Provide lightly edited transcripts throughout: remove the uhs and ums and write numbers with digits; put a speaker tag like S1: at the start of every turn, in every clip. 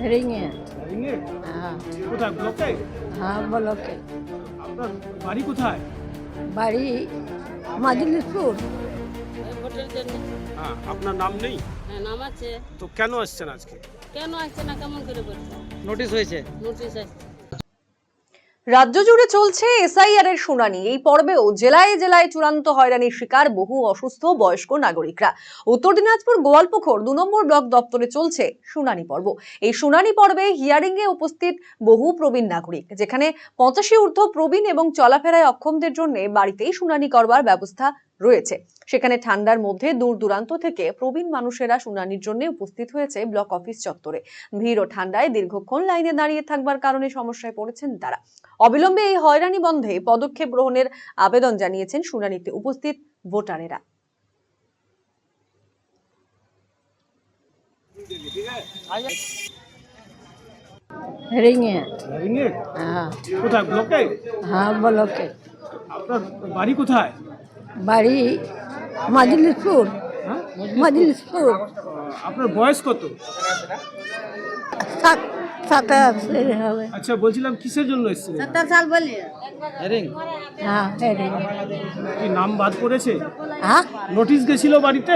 S1: रिंगे।
S2: রিঙে?
S1: हाँ
S2: কোথায় ব্লকে?
S1: हाँ ब्लॉके
S2: আপনার বাড়ি কোথায়?
S1: বাড়ি মাজলিসপুর।
S3: ভোটের জন্য।
S2: হ্যাঁ, আপনার নাম নেই?
S3: হ্যাঁ, নাম আছে।
S2: তো কেন আসছেন আজকে?
S3: কেন আসছে না, কেমন করে বলছে?
S4: নোটিশ হয়েছে।
S3: নোটিশ আসছে।
S5: রাজ্য জুড়ে চলছে এসআইআর এর শুনানি। এই পর্বেও জেলায় জেলায় চূড়ান্ত হয়রানির শিকার বহু অসুস্থ বয়স্ক নাগরিকরা। উত্তর দিনাজপুর গোয়ালপুখর 2 নম্বর ব্লক দপ্তরে চলছে শুনানি পর্ব। এই শুনানি পর্বে হিয়ারিং এ উপস্থিত বহু প্রবীণ নাগরিক, যেখানে 85 ঊর্ধ্ব প্রবীণ এবং চলাফেরায় অক্ষমদের জন্য বাড়িতেই শুনানি করবার ব্যবস্থা রয়েছে। সেখানে ঠান্ডার মধ্যে দূর দূরান্ত থেকে প্রবীণ মানুষেরা শুনানির জন্য উপস্থিত হয়েছে ব্লক অফিস চত্বরে। ভিড় ও ঠান্ডায় দীর্ঘক্ষণ লাইনে দাঁড়িয়ে থাকবার কারণে সমস্যায় পড়েছেন তারা। অবিলম্বে এই হয়রানি বন্ধে পদক্ষেপ গ্রহণের আবেদন জানিয়েছেন শুনানিতে উপস্থিত ভোটারেরা।
S1: रिंगे।
S2: রিঙে?
S1: हाँ
S2: কোথায় ব্লকে?
S1: हाँ ब्लॉके
S2: আপনার বাড়ি কোথায়?
S1: বাড়ি মাজলিসপুর।
S2: হ্যাঁ?
S1: মাজলিসপুর।
S2: আপনার বয়স কত?
S1: 87 হবে।
S2: আচ্ছা, বলছিলাম কিসের জন্য এসেছিলেন?
S1: 70 साल बोलिए।
S4: হেরিং
S1: हाँ रिंगे।
S2: কি নাম বাদ পড়েছে?
S1: हाँ
S2: নোটিশ গেছিল বাড়িতে?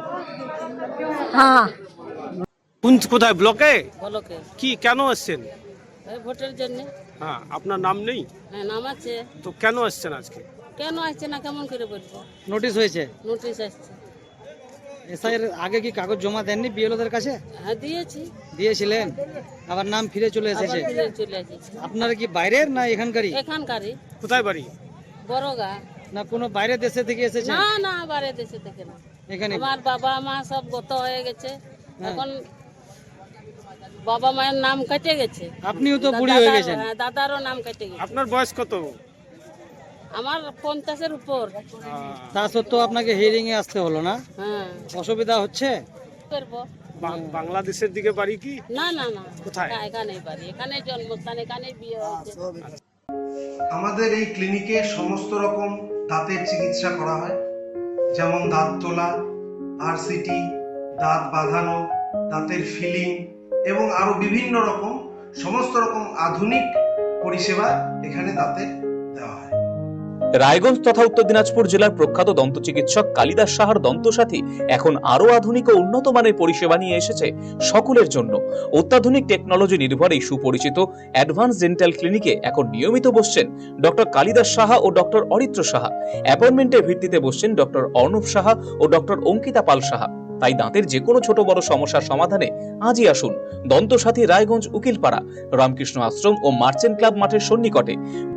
S1: हाँ
S2: কোথায় ব্লকে?
S3: বলকে।
S2: কি কেন আসছেন?
S3: এই ভোটের জন্য।
S2: হ্যাঁ, আপনার নাম নেই?
S3: হ্যাঁ, নাম আছে।
S2: তো কেন আসছেন আজকে?
S3: কেন আসছে না, কেমন করে বলছে?
S4: নোটিশ হয়েছে।
S3: নোটিশ আসছে।
S4: এসআইয়ের আগে কি কাগজ জমা দেননি বিএলওদের কাছে?
S3: হ্যাঁ, দিয়েছি।
S4: দিয়েছিলেন, আবার নাম ফিরে চলে
S3: আবার
S4: এসেছে।
S3: ফিরে চলে এসেছি।
S4: আপনারা কি বাইরের না এখানকারই?
S3: এখানকারই
S2: কোথায় বাড়ি?
S3: বড়গা।
S4: না কোনো বাইরের দেশে থেকে এসেছে?
S3: না না, বাইরে দেশে থেকে না।
S4: এখানে
S3: আমার বাবা মা সব গত হয়ে গেছে।
S4: হ্যাঁ।
S3: এখন বাবা মায়ের নাম কেটে গেছে।
S4: আপনিও তো বুড়ি হয়ে গেছেন।
S3: হ্যাঁ, দাদারও নাম কেটে গেছে।
S2: আপনার বয়স কত?
S3: আমার 50-এর উপর।
S4: তা সত্ত্বেও আপনাকে হিয়ারিং এ আসতে হলো না?
S3: হ্যাঁ,
S4: অসুবিধা হচ্ছে?
S3: করবো।
S2: বাংলাদেশের দিকে বাড়ি কি?
S3: না না না,
S2: কোথায়?
S3: এখানেই বাড়ি, এখানে জন্মস্থান, এখানেই বিয়ে হয়েছে।
S6: আমাদের এই ক্লিনিকে সমস্ত রকম দাঁতের চিকিৎসা করা হয়, যেমন দাঁত তোলা, আরসিটি, দাঁত বাঁধানো, দাঁতের ফিলিং এবং আরো বিভিন্ন রকম সমস্ত রকম আধুনিক পরিষেবা এখানে দাঁতের দেওয়া হয়।
S7: রায়গঞ্জ তথা উত্তর দিনাজপুর জেলার প্রখ্যাত দন্ত চিকিৎসক কালিদাস সাহার দন্তসাথী এখন আরো আধুনিক ও উন্নত মানের পরিষেবা নিয়ে এসেছে সকলের জন্য। অত্যাধুনিক টেকনোলজি নির্ভর এই সুপরিচিত অ্যাডভান্স ডেন্টাল ক্লিনিকে এখন নিয়মিত বসছেন ডক্টর কালিদাস সাহা ও ডক্টর অরিত্র সাহা। অ্যাপয়েন্টমেন্টের ভিত্তিতে বসছেন ডক্টর অর্ণব সাহা ও ডক্টর অঙ্কিতা পাল সাহা। তাই দাঁতের যে কোনো ছোট বড় সমস্যার সমাধানে আজই আসুন দন্তসাথী, রায়গঞ্জ উকিলপাড়া, রামকৃষ্ণ আশ্রম ও মার্চেন্ট ক্লাব মাঠের সন্নিকটে।